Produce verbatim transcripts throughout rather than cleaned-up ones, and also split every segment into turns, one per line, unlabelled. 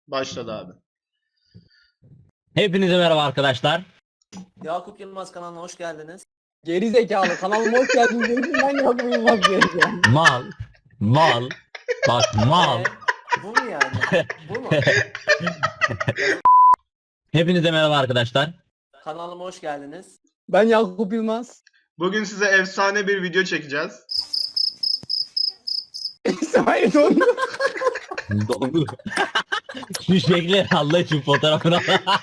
Başladı abi.
Hepinize merhaba arkadaşlar.
Yakup Yılmaz kanalına hoş geldiniz.
Geri zekalı kanalıma hoş geldiniz dedim, ben Yakup Yılmaz diyeceğim.
Mal, mal, bak mal.
Ee, bu mu yani? Bu mu?
Hepinize merhaba arkadaşlar.
Kanalıma hoş geldiniz.
Ben Yakup Yılmaz.
Bugün size efsane bir video çekeceğiz.
İsmail Dondu.
Dondu. Şu şekli Allah için fotoğrafını al.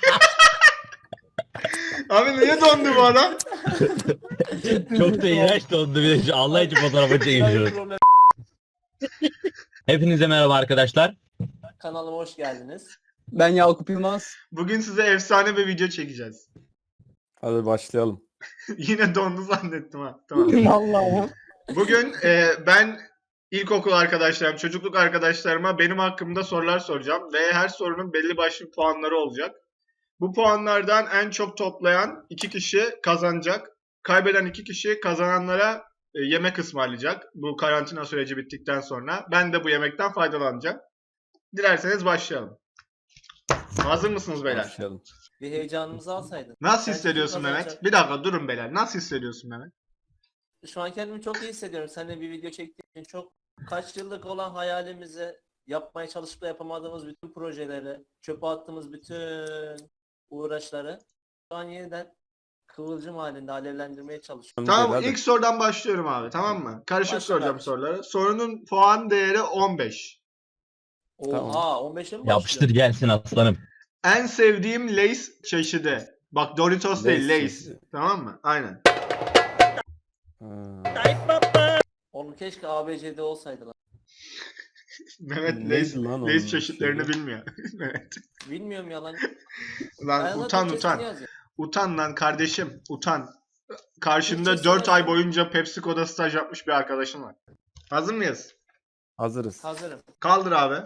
Abi niye dondu bu adam?
Çok da iğrenç dondu bir de şu Allah için fotoğrafı çekiyoruz.
Problem.
Hepinize merhaba arkadaşlar.
Kanalıma hoş geldiniz.
Ben Yakup Yılmaz.
Bugün size efsane bir video çekeceğiz.
Hadi başlayalım.
Yine dondu zannettim ha. Tamam.
Vallahi.
Bugün e, ben ilkokul arkadaşlarım, çocukluk arkadaşlarıma benim hakkımda sorular soracağım. Ve her sorunun belli başlı puanları olacak. Bu puanlardan en çok toplayan iki kişi kazanacak. Kaybeden iki kişi kazananlara e, yemek ısmarlayacak. Bu karantina süreci bittikten sonra. Ben de bu yemekten faydalanacağım. Dilerseniz başlayalım. Hazır mısınız beyler?
Başlayalım.
Bir heyecanımızı alsaydın.
Nasıl
Ben
hissediyorsun
kim
Mehmet?
kazanacak?
Bir dakika durun beyler. Nasıl hissediyorsun Mehmet?
Şu an kendimi çok iyi hissediyorum. Seninle bir video çektiğim için çok kaç yıllık olan hayalimizi yapmaya çalışıp da yapamadığımız bütün projeleri, çöpe attığımız bütün uğraşları şu an yeniden kıvılcım halinde alevlendirmeye çalışıyorum.
Tamam,
Hadi.
ilk sorudan başlıyorum abi, tamam mı? Karışık
Başla
soracağım
kardeşim.
soruları. Sorunun puan değeri on beş.
Oha
Tamam.
on beşe mi
Yapıştır
başlıyor?
gelsin aslanım.
En sevdiğim Lay's çeşidi. Bak Doritos değil,
Lay's
Lay's.
çeşidi.
Tamam mı? Aynen.
Ha.
Onu keşke A B C'de olsaydı lan.
Mehmet
Neydi
Lay's,
lan onun
Lay's çeşitlerini
şeyi?
bilmiyor. Mehmet.
Bilmiyorum yalan.
Lan
Ben
utan
zaten
utan.
kesin yazıyorum.
Utan lan kardeşim, utan. Karşında
Türkçesi
dört
ne?
ay boyunca PepsiCo'da staj yapmış bir arkadaşım var. Hazır mıyız?
Hazırız.
Hazırım.
Kaldır abi.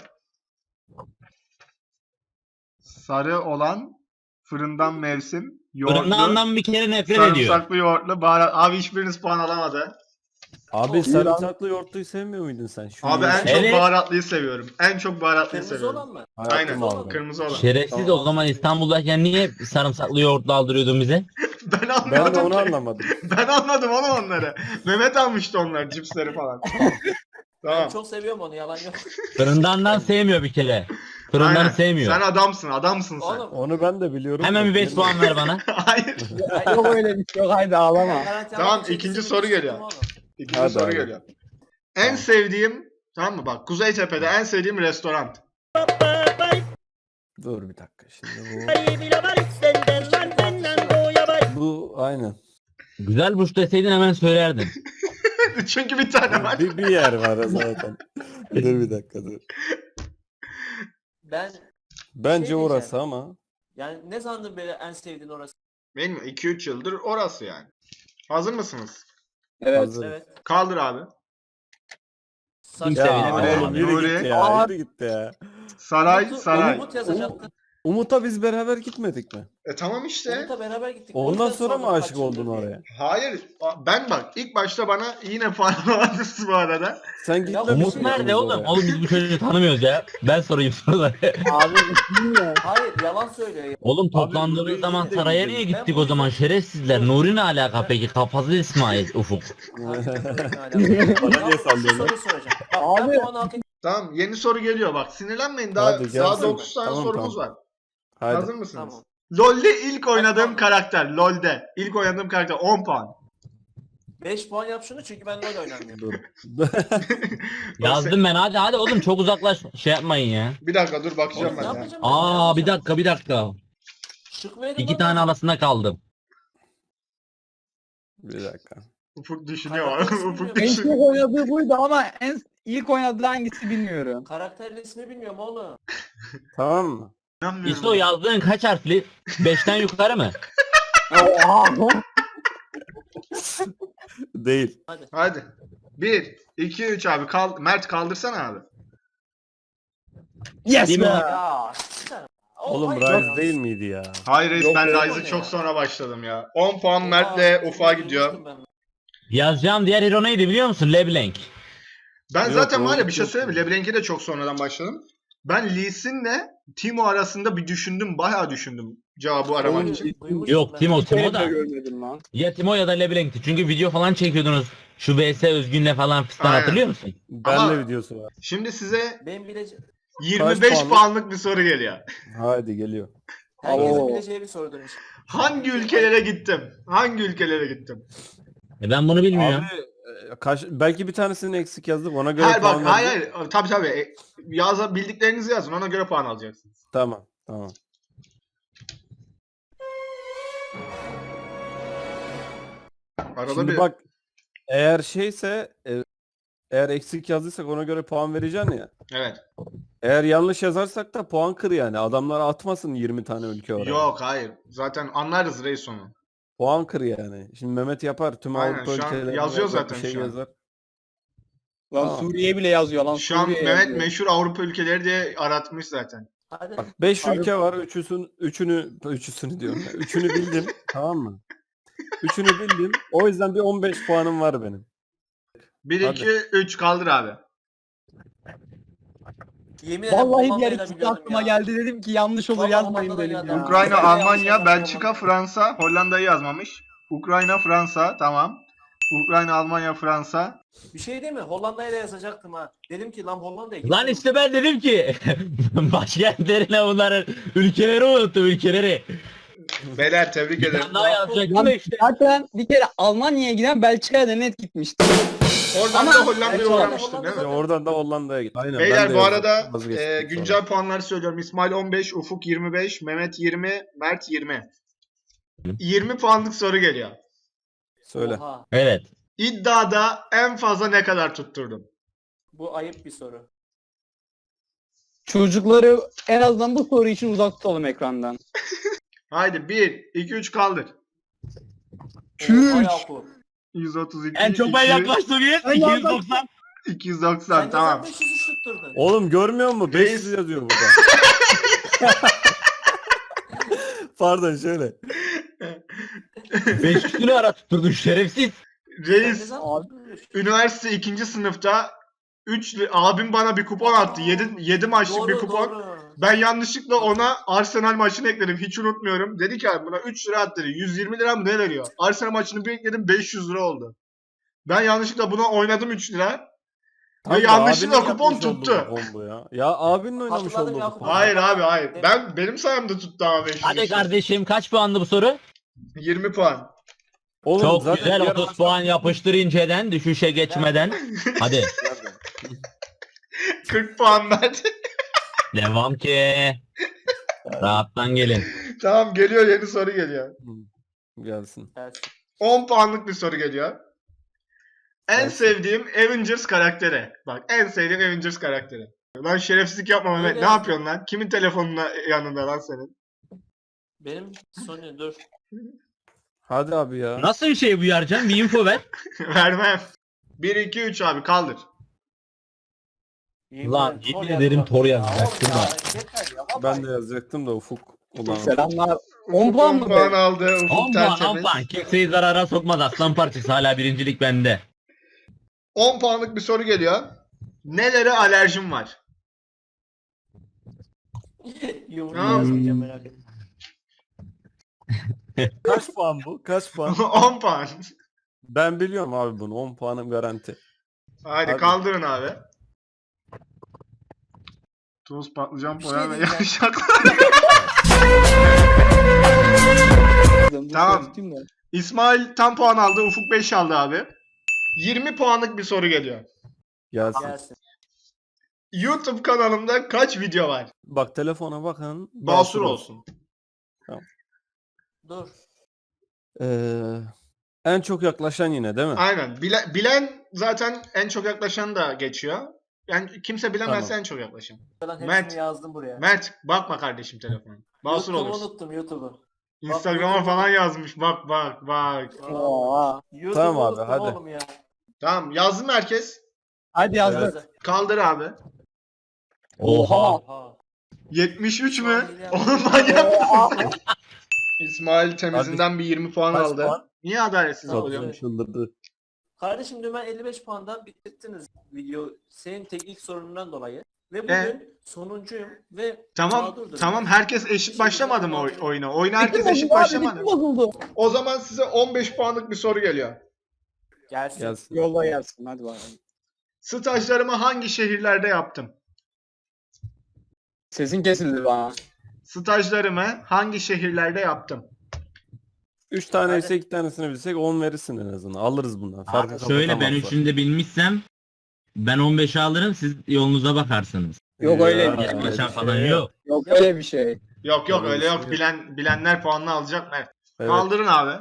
Sarı olan fırından mevsim. Yoğurtlu,
Fırından bir kere nefret ediyor.
sarımsaklı yoğurtlu, baharat. Abi hiçbiriniz puan alamadı.
Abi
Oh,
sarımsaklı yoğurtluyu sevmiyor muydun sen? Şu
Abi en
yeşil-
çok
Evet.
baharatlıyı seviyorum. En çok baharatlıyı
Kırmızı
seviyorum.
olan mı?
Hayatım
Aynen.
aldım.
Kırmızı olan.
Şerefsiz
Tamam.
o zaman İstanbul'dayken niye sarımsaklı yoğurtlu aldırıyordun bize?
Ben
Ben de
anlamadım
onu
ki.
anlamadım.
Ben almadım onu onları. Mehmet almıştı onlar cipsleri falan.
Ben
Tamam.
çok seviyorum onu yalan yok.
Fırındandan sevmiyor bir kere. Fırındanı
Aynen.
sevmiyor.
Sen adamsın, adamsın sen.
Oğlum.
Onu ben de biliyorum.
Hemen
da
bir beş
benim-
puan ver bana.
Hayır.
Yok öyle bir şey yok, haydi ağlama.
Karantina
Tamam,
çekilsin
ikinci
bir
soru
düştüm
geliyor.
oğlum.
İkinci
Hadi
soru
abi.
geliyor. En
Tamam.
sevdiğim, tamam mı bak, Kuzeytepe'de en sevdiğim restoran.
Dur bir dakika şimdi bu. Bu aynen.
Güzel buş deseydin hemen söylerdin.
Çünkü bir tane var.
Bir, bir yer var zaten. Dur bir dakika dur.
Ben
Bence
Şey
orası
diyeceğim.
ama.
yani ne sandın böyle en sevdiğin orası?
Benim iki üç yıldır orası yani. Hazır mısınız?
Evet.
Hazır.
Evet.
Kaldır abi.
Saç
Kimse
Ya
bilemedi.
oğlum yürü
Nuri.
gitti ya. Yürü gitti ya.
Saray,
Umut-
saray.
Umut yazacaktı.
Umut'a biz beraber gitmedik mi?
E tamam işte.
Umut'la beraber gittik. O
Ondan
yüzden
sonra mı
sordum
aşık
kaç yıldır
oldun
diye.
oraya?
Hayır. Ben bak ilk başta bana yine puan alamadınız bu arada.
Sen gitmemişsin.
Umut
şey
nerede
ikimiz
oğlum?
oraya.
Oğlum biz bu çocuğu tanımıyoruz ya. Ben sorayım soruları.
Abi bilmiyorum.
Hayır yalan söylüyor. ya.
Oğlum toplandığımız
Nuri'yi
zaman
de
saraya
gittim.
niye
Ben
gittik
bu
o zaman
yüzden-
şerefsizler? Nuri ne alaka peki? Kafası İsmail Ufuk.
Hayır,
Bana niye sallıyorsun?
Soru soracağım. Bak
Abi.
ben puan hak ettim.
Tamam, yeni soru geliyor bak. Sinirlenmeyin, daha
Hadi
daha
gelsin.
dokuz tane
Tamam,
sorumuz
tamam.
var.
Hadi.
Hazır mısınız?
Tamam.
LoL'de ilk oynadığım
Tamam.
karakter. LoL'de ilk oynadığım karakter on puan.
beş puan yap şunu çünkü ben LoL oynamıyorum.
Dur.
Yazdım ben hadi hadi oğlum çok uzaklaş şey yapmayın ya.
Bir dakika dur bakacağım
Oğlum, ne
ben ya.
yapacağım ben?
Aa
Ne
bir
yapacağım?
dakika bir dakika.
Şık verin
İki
lan
tane
bana.
arasında kaldım.
Bir dakika.
Ufuk düşünüyor.
Karakter ismi
Ufuk
bilmiyorum.
En
düşünüyor.
çok oynadığı buydu ama en ilk oynadığı hangisi bilmiyorum.
Karakterin ismi bilmiyorum oğlum.
Tamam mı?
İnanmıyorum.
İşte o yazdığın kaç harfli? Beşten yukarı mı?
Oha.
Değil.
Hadi. bir, iki, üç abi. Kal Mert kaldırsana abi.
Yes
Değil
be.
mi?
Ya. sıçarım.
Oğlum
hayır
Rise
ya.
değil miydi ya?
Hayır reis,
Yok,
ben
yok
Rise'ı
ya.
çok sonra başladım ya. on puan
Oha,
Mert'le
çok
Ufuk'a
iyi
gidiyor.
bulmuştum ben.
Yazacağım diğer hero neydi biliyor musun? LeBlanc.
Ben
Yok,
zaten
o
var ya bir şey
yok.
söyleyeyim mi? LeBlanc'e de çok sonradan başladım. Ben Lee Sin'le Timo arasında bir düşündüm. Bayağı düşündüm cevabı aramak
Oğlum,
için.
Duymuştum
Yok
ben.
Timo
Bir kere
Timo
bile
da.
görmedim lan.
Ya Timo ya da Leblanc'ti. Çünkü video falan çekiyordunuz. Şu V S Özgün'le falan fistan
Aynen.
hatırlıyor musun?
Benle
Ama-
videosu var.
Şimdi size
Benim bilece
yirmi beş
puanlık?
puanlık bir soru geliyor.
Haydi geliyor.
herkesin
Oo.
bileceği bir sorudur inşallah.
Hangi ülkelere gittim? Hangi ülkelere gittim?
E ben bunu bilmiyorum.
Abi e, kaç, belki bir tanesini eksik yazdık ona göre
Hayır
puan
bak hayır
vereceğim.
hayır. Tabii tabii. E, Yaza, bildiklerinizi yazın. Ona göre puan alacaksınız.
Tamam tamam.
Arada
Şimdi
bir...
bak eğer şeyse e, eğer eksik yazdıysak ona göre puan vereceksin ya.
Evet.
Eğer yanlış yazarsak da puan kır yani. Adamlar atmasın yirmi tane ülke oraya.
Yok hayır. Zaten anlarız reis onu.
Puan kır yani. Şimdi Mehmet yapar tüm
Aynen,
Avrupa
şu an
ülkelerine
yazıyor
yazar,
zaten
bir şey
şu an.
yazar.
Lan
Tamam.
Suriye bile yazıyor lan.
Şu an
Suriye
Mehmet
yazıyor.
meşhur Avrupa ülkeleri diye aratmış zaten.
Hadi.
Bak beş
Abi-
ülke var. Üçüsün, üçünü üçüsünü diyorum. ya. Üçünü bildim. Tamam mı? Üçünü bildim. O yüzden bir on beş puanım var benim.
bir,
Hadi.
iki, üç kaldır abi.
Yemin ederim
Vallahi bir
Hollanda'yı
yer
da
ikisi
biliyordum
aklıma
ya.
geldi, dedim ki yanlış olur
Vallahi
yazmayın
Hollanda'dan
dedim
geldi
ya.
abi.
Ukrayna,
Sen de yanlış
Almanya,
yazdın
Belçika,
Hollanda.
Fransa, Hollanda'yı yazmamış. Ukrayna, Fransa, tamam. Ukrayna, Almanya, Fransa.
Bir şey değil mi? Hollanda'ya da yazacaktım ha. Dedim ki lan Hollanda'ya
Lan
gittim.
işte ben dedim ki başkentlerine bunların ülkeleri unuttum ülkeleri.
Beyler tebrik
Bir
ederim.
tane daha yazacaktım
Lan
da işte.
zaten bir kere Almanya'ya giden Belçika'ya da net gitmişti.
Oradan
Ama-
da Hollanda'ya
Belçika,
uğramıştın
Hollanda
değil mi?
Ya oradan da Hollanda'ya git. Aynen, ben
Beyler
de
bu
yazdım.
arada
Vazgeçtim
e,
sonra.
güncel puanları söylüyorum. İsmail on beş, Ufuk yirmi beş, Mehmet yirmi, Mert yirmi. yirmi puanlık soru geliyor.
Söyle.
Oha.
Evet.
İddiada en fazla ne kadar tutturdum?
Bu ayıp bir soru.
Çocukları en azından bu soru için uzak tutalım ekrandan.
Haydi bir, iki, üç kaldır.
Oha Yakup.
yüz otuz iki,
En çok ben
iki-
yaklaştım yes.
Ben
iki yüz
yaklaştım.
doksan.
iki yüz
Sen
doksan
ne
tamam.
zaman beş yüz tutturdun?
Oğlum görmüyor musun? beş yüz yazıyor burada. Pardon şöyle.
beş yüzünü ara tutturdun şerefsiz.
Sen ne
Reis
zaman
Abi-
tutturdun?
üniversite ikinci sınıfta üç abim bana bir kupon attı. yedi, yedi maçlık
Doğru,
bir kupon.
doğru.
Ben yanlışlıkla ona Arsenal maçını ekledim. Hiç unutmuyorum. Dedi ki abi buna üç lira at dedi. yüz yirmi lira mı ne veriyor? Arsenal maçını bir ekledim beş yüz lira oldu. Ben yanlışlıkla buna oynadım üç lira.
Tam
Ve
da
yanlışlıkla
abinin
kupon
yapmış olduğu
tuttu.
kupon bu ya. Ya abinin oynamış
Hatırladım
olduğu
Yakup
kupon.
abi.
Hayır abi hayır. Ben benim sayemde tuttu ama beş yüz.
Hadi
işte.
kardeşim kaç puanlı bu soru?
yirmi puan.
Oğlum,
Çok
zaten
güzel
diğer
otuz
maçlar-
puan yapıştır inceden düşüşe geçmeden. Hadi
kırk puan verdi.
devam ki. Rahattan gelin.
Tamam geliyor yeni soru geliyor.
Hı, gelsin.
Evet.
on puanlık bir soru geliyor. En
Gelsin.
sevdiğim Avengers karakteri. Bak en sevdiğim Avengers karakteri. Lan şerefsizlik yapma Mehmet.
Öyle
Ne
yazdım.
yapıyorsun lan? Kimin telefonuna yanında lan senin?
Benim Sony dur.
Hadi abi ya.
Nasıl bir şey bu Yarcan? Bir info ver.
Vermem. bir, iki, üç abi kaldır.
Yemin
Lan,
ederim,
yemin
Thor
ederim
yazdım.
Thor
Ya
yazacaktım
oğlum ya,
da.
yeter ya, vallahi.
Ben de yazacaktım da Ufuk. Ulan.
Selamlar. on puan mı?
puan
be?
aldı. Ufuk
on puan on
tertemiz.
puan. Kimseyi zarara sokmaz aslan parçası. Hala birincilik bende.
on puanlık bir soru geliyor. Nelere alerjim var?
Yumruğu
Tamam.
yazmayacağım merak etme.
Kaç puan bu? Kaç puan?
on puan.
Ben biliyorum abi bunu. on puanım garanti.
Haydi
Hadi.
kaldırın abi. Tuz, patlıcan,
Bir şey
poğaça ve
diyeceğim.
yavşaklar.
Bu
Tamam.
soru tutayım da.
İsmail tam puan aldı. Ufuk beş aldı abi. yirmi puanlık bir soru geliyor.
Gelsin.
Gelsin.
YouTube kanalımda kaç video var?
Bak telefona bakın.
Basur olsun.
Dur.
Ee, en çok yaklaşan yine değil mi?
Aynen. Bile- bilen zaten en çok yaklaşan da geçiyor. Yani kimse bilemezse
Tamam.
en çok yaklaşan.
Ben hepsini
Mert.
yazdım buraya.
Mert bakma kardeşim telefona. Basur
YouTube'u
olursun.
unuttum YouTube'u.
Instagram'a
YouTube'u-
falan yazmış. Bak bak bak.
Oha.
YouTube'u
Tamam abi,
unuttum
hadi.
oğlum ya.
Tamam yazdı mı herkes?
Hadi yazdık.
Yazdı.
Kaldır abi.
Oha.
Oha.
yetmiş üç mü?
Saniye.
Oğlum manyak mısın? İsmail temizinden bir yirmi puan
Kaç
aldı.
puan?
Niye adaletsiz
Tamam,
oluyor?
evet.
Çıldırdı.
Kardeşim dün ben elli beş puandan bitirdiniz video. Senin teknik sorunundan dolayı. Ve bugün
E?
sonuncuyum ve
Tamam
mağdurdum.
tamam herkes eşit başlamadı mı oy- oyuna? Oyuna herkes
Bitti
eşit
bozuldu abi,
başlamadı
bitti
mı?
bozuldu.
O zaman size on beş puanlık bir soru geliyor.
Gelsin.
Gelsin.
Yolla gelsin hadi bakalım.
Stajlarımı hangi şehirlerde yaptım?
Sesin kesildi bana.
Stajlarımı hangi şehirlerde yaptım?
Üç tane
Hadi.
ise iki tanesini bilsek on verirsin en azından. Alırız bundan. Farkı
Abi şöyle ben
kapatamazlar.
üçünü de bilmişsem ben on beşi alırım siz yolunuza bakarsınız.
Yok öyle
Ya,
bir şey.
Yaklaşan
öyle
falan
şey
yok.
Yok öyle bir şey.
Yok yok
Öyle
öyle
bir şey
yok.
yok.
Bilen bilenler puanını alacak Mert.
Evet.
Kaldırın abi.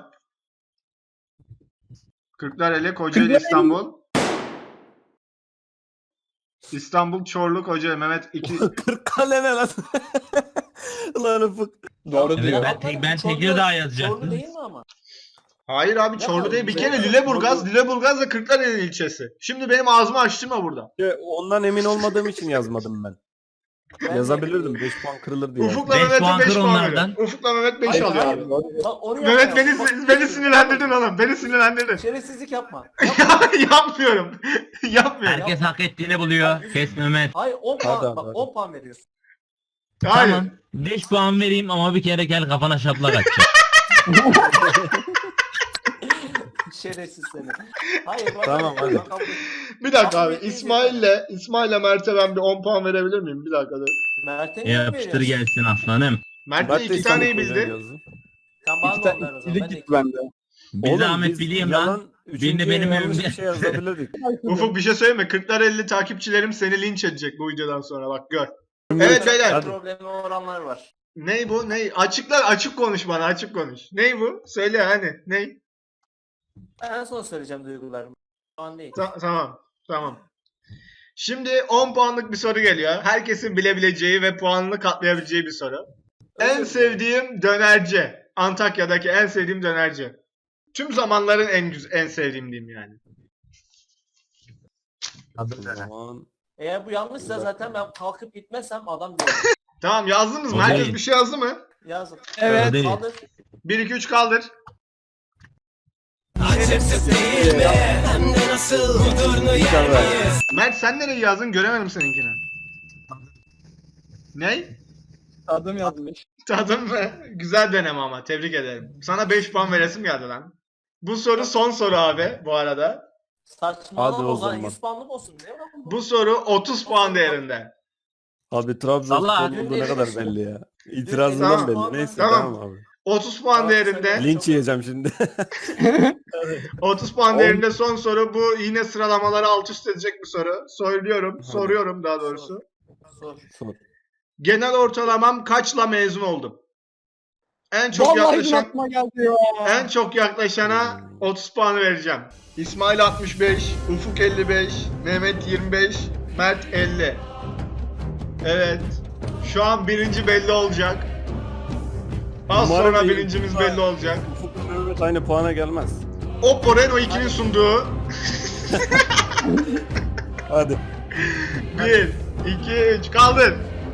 Kırklareli, Kocaeli,
Kırklareli.
İstanbul. İstanbul, Çorlu, Kocaeli. Mehmet iki.
Kırıkkale ne lan? Lan Ufuk.
Doğru
Evet,
diyor.
ben, tek, ben
Çorlu-
Tekirdağ
Çorlu
yazacaktım.
değil mi ama?
Hayır abi
Ne
Çorlu
var?
değil. Bir
Ne
kere
var?
Lüleburgaz.
Çorlu.
Lüleburgaz da Kırklareli ilçesi. Şimdi benim ağzımı açtırma burada.
Ya, Ondan emin olmadığım için yazmadım ben.
Ben de-
Yazabilirdim. beş puan kırılır diye.
Ufuk'la
Beş
Mehmet'e
puan
beş
kır
puan
onlardan.
veriyor. Ufuk'la Mehmet beş
Hayır,
alıyor
hayır.
abi.
Doğru diyor.
Bak onu
Mehmet
yapma.
beni,
Bak-
beni sinirlendirdin oğlum. Beni sinirlendirdin.
Şerefsizlik yapma.
Yapmıyorum. Yapmıyorum.
Herkes hak ettiğini buluyor. Kes Mehmet.
Hayır on
Hadi
puan,
abi,
bak
hadi.
on puan veriyorsun.
Hayır.
Tamam. beş puan vereyim ama bir kere gel kafana şaplak atacak.
Şerefsiz seni. Hayır bak.
Tamam, hadi.
bak- bak-
Bir dakika abi.
Tahmin ettiğin
İsmail'le İsmail'le Mert'e ben bir on puan verebilir miyim? Bir dakika dur.
Mert'e niye
Yapıştır
veriyorsun?
gelsin aslanım.
Mert
Bak
de
da
iki taneyi
İstanbul Kocaeli
bildi.
yazdı.
Sen bana
İki
da onlar o
tane
zaman.
ikilik
Ben de
gitti bende.
Bir
Oğlum,
zahmet
biz
bileyim
yalan,
lan.
üçüncüye
benim
yanlış
önümde.
bir şey yazabilirdik.
Ufuk bir şey söyleyeyim mi? Kırklareli takipçilerim seni linç edecek bu videodan sonra bak gör. Evet beyler.
Hadi.
problemi olanlar var.
Ney bu? Ney? Açıklar açık konuş bana açık konuş. Ney bu? Söyle hani. Ney?
Ben en son söyleyeceğim duygularımı. Şu an değil.
Ta- tamam. Tamam. Şimdi on puanlık bir soru geliyor. Herkesin bilebileceği ve puanını katlayabileceği bir soru. En
Özür
sevdiğim dönerci. Antakya'daki en sevdiğim dönerci. Tüm zamanların en güzel, en sevdiğim diyeyim yani.
O zaman
Eğer bu yanlışsa zaten ben kalkıp gitmezsem adam diyor.
Tamam yazdınız mı?
O
Herkes
değil.
bir şey yazdı mı?
Yazın.
Evet.
Değil.
Kaldır.
bir iki üç kaldır.
İnşallah.
Mert sen nereye yazdın? Göremedim seninkini. Ney?
Adım yazmış.
Tadım mı? Güzel deneme ama. Tebrik ederim. Sana beş puan veresim geldi lan. Bu soru son soru abi bu arada.
Saçmalama
Hadi
o
o
zaman
zaman.
yüz puanlık olsun. Ne lan bu?
Bu soru otuz puan değerinde.
Abi Trabzonspor
Allah.
olduğu ne kadar belli ya. İtirazından
Tamam.
belli. Neyse
Tamam.
tamam, abi.
otuz puan
Tamam,
değerinde.
sen-
Linç yiyeceğim şimdi.
otuz puan değerinde son soru. Bu yine sıralamaları alt üst edecek bir soru. Söylüyorum.
Hadi.
Soruyorum daha doğrusu.
Sor.
Sor.
Genel ortalamam kaçla mezun oldum? En çok
Vallahi
yaklaşan
aklıma geldi ya.
en çok yaklaşana
Hmm.
otuz puanı vereceğim. İsmail altmış beş, Ufuk elli beş, Mehmet yirmi beş, Mert elli. Evet. Şu an birinci belli olacak. Az
Umarım
sonra
iyi.
birincimiz belli olacak.
Ufuk Mehmet aynı puana gelmez.
Oppo Reno iki'nin sunduğu
Hadi.
bir, iki, üç kaldır.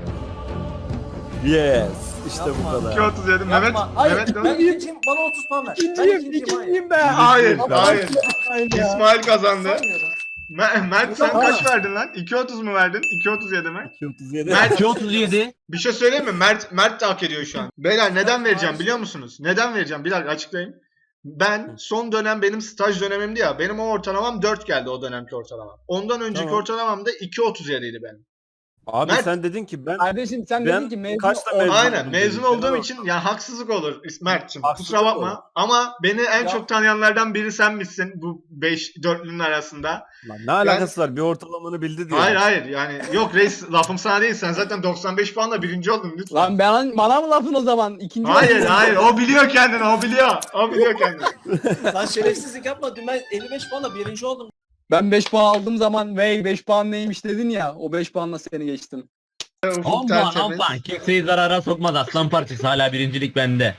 Yes. İşte
Yapma.
bu kadar.
iki otuz yedi. Mehmet,
Yapma. Hayır
Mehmet
ben
ne?
ikinciyim. Bana otuz puan ver. Ben
İkinciyim,
ikinciyim. hayır.
ikinciyim ben.
Hayır,
Hayır.
hayır.
Hayır ya.
İsmail kazandı.
Saymıyorum.
Me- Mert sen
Tamam.
kaç verdin lan? iki otuz mu verdin? iki otuz yedi mi?
iki otuz yedi.
Mert-
iki otuz yedi.
Bir şey söyleyeyim mi? Mert Mert de hak ediyor şu an. Beyler neden vereceğim biliyor musunuz? Neden vereceğim? Bir dakika açıklayayım. Ben son dönem benim staj dönemimdi ya. Benim o ortalamam dört geldi o dönemki ortalamam. Ondan önceki
Tamam.
ortalamam da iki otuz yediydi benim.
Abi
Mert-
sen dedin ki ben
Kardeşim sen
Ben
dedin ki mezun
kaçta
ol-
mezun
Aynen
oldum
mezun
dedim.
olduğum
Tamam.
için ya haksızlık olur Mert'cim.
Haksızlık
Kusura bakma.
olur.
Ama beni en
Ya-
çok tanıyanlardan biri sen misin bu beş dörtlünün arasında.
Lan ne alakası var? Bir ortalamanı bildi diye.
Hayır hayır yani yok reis lafım sana değil. Sen zaten doksan beş puanla birinci oldun lütfen.
Lan ben, bana mı lafın o zaman? İkinci
Hayır
oldum.
hayır o biliyor kendini o biliyor. O biliyor kendini.
Lan şerefsizlik yapma. Dün ben elli beş puanla birinci oldum.
Ben beş puan aldığım zaman vey beş puan neymiş dedin ya. O beş puanla seni geçtim.
Ufuk
on puan on
tertemiz.
puan. Kimseyi zarara sokmaz aslan parçası hala birincilik bende.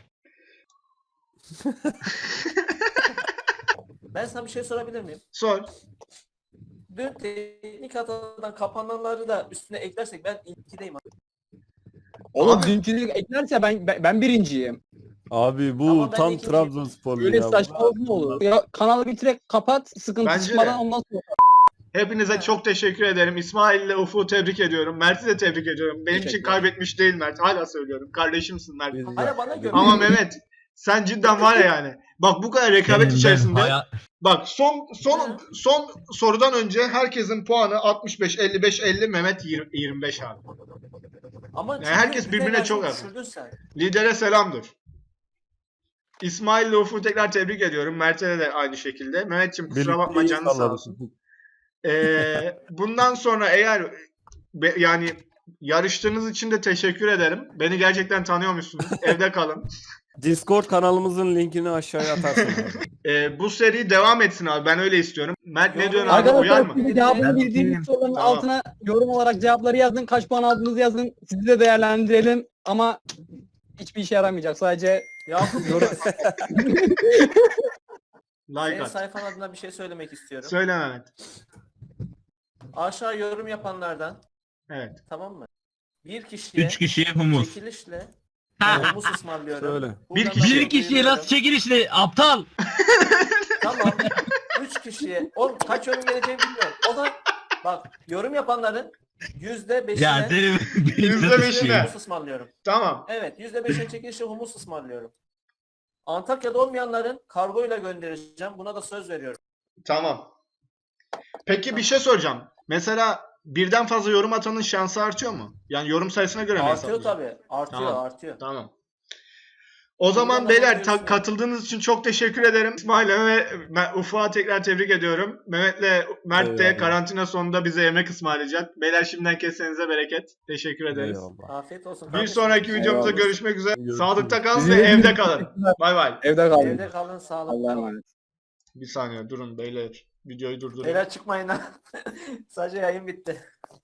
Ben sana bir şey sorabilir miyim?
Sor.
Dün teknik hatadan kapananları da üstüne eklersek ben ikideyim abi.
Oğlum
Abi-
dünkülük eklerse ben ben, ben birinciyim.
Abi bu
Ama ben
tam
ikinci-
Trabzonsporlu
Böyle
ya.
saçmalık mı olur? Ya kanalı bir direkt kapat sıkıntı
Bence
çıkmadan
de.
ondan sonra.
Hepinize çok teşekkür ederim. İsmail ile Ufuk'u tebrik ediyorum. Mert'i de tebrik ediyorum. Benim için
Teşekkürler.
kaybetmiş değil Mert. Hala söylüyorum. Kardeşimsin Mert.
Biz-
Hala bana göre.
Ama Mehmet sen cidden var ya yani. Bak bu kadar rekabet
Senin ben
içerisinde.
haya-
Bak son son son sorudan önce herkesin puanı altmış beş, elli beş, elli, Mehmet yirmi, yirmi beş abi.
Ama
Yani herkes
ciddi bir
birbirine çok
enerji
yakın.
düşürdün sen.
Lidere selamdır. İsmail ile Ufuk'u tekrar tebrik ediyorum. Mert'e de aynı şekilde. Mehmetciğim kusura
Birlikte
bakma
iyi
canın sağ
salladık.
olsun. Ee, bundan sonra eğer be- yani yarıştığınız için de teşekkür ederim. Beni gerçekten tanıyormuşsunuz. Evde kalın.
Discord kanalımızın linkini aşağıya atarsın. abi.
Ee, bu seri devam etsin abi. Ben öyle istiyorum. Mert ne
Yorum
diyorsun abi? Uyar
Arkadaşlar
mı?
siz de cevabını
Ben
bildiğiniz
bilmiyorum.
soruların
Tamam.
altına yorum olarak cevapları yazın. Kaç puan aldığınızı yazın. Sizi de değerlendirelim ama hiçbir işe yaramayacak. Sadece
Yakup
yorum.
Like
senin
at.
sayfan adına bir şey söylemek istiyorum.
Söyle Mehmet.
Aşağı yorum yapanlardan,
Evet.
tamam mı? Bir kişiye
Üç kişiye humus.
çekilişle
Ha.
humus ısmarlıyorum.
Söyle.
Buradan
Bir
da
kişi-
Bir kişiye
duyuruyorum.
nasıl çekilişli aptal?
Tamam. Üç kişiye. O kaç yorum geleceğini bilmiyorum. O da bak yorum yapanların yüzde beşine
Ya senin
Yüzde beşine.
beşine.
humus ısmarlıyorum.
Tamam.
Evet, yüzde beşine çekilişle humus ısmarlıyorum. Antakya'da olmayanların kargoyla göndereceğim. Buna da söz veriyorum.
Tamam. Peki bir şey soracağım. Mesela birden fazla yorum atanın şansı artıyor mu? Yani yorum sayısına göre mi
Artıyor
hesaplıyor?
tabii. Artıyor,
Tamam.
artıyor.
Tamam. O zaman
Buradan
beyler
bakıyorsun.
ta- katıldığınız için çok teşekkür ederim. İsmail'e ve Me- Ufuk'a tekrar tebrik ediyorum. Mehmet'le Mert de
Eyvallah.
karantina sonunda bize yemek ısmarlayacak. Beyler şimdiden kesenize bereket. Teşekkür ederiz.
Eyvallah.
Afiyet olsun.
Bir
kardeşim.
sonraki videomuzda
Eyvallah.
görüşmek üzere.
Görüşürüz.
Sağlıkta kalın
Sizi
ve
de-
evde kalın. Bay bay.
Evde kalın.
Evde kalın, sağlıklı
Allah'a
kalın.
emanet.
Bir saniye durun beyler. Videoyu durdurun.
Beyler çıkmayın ha. Sadece yayın bitti.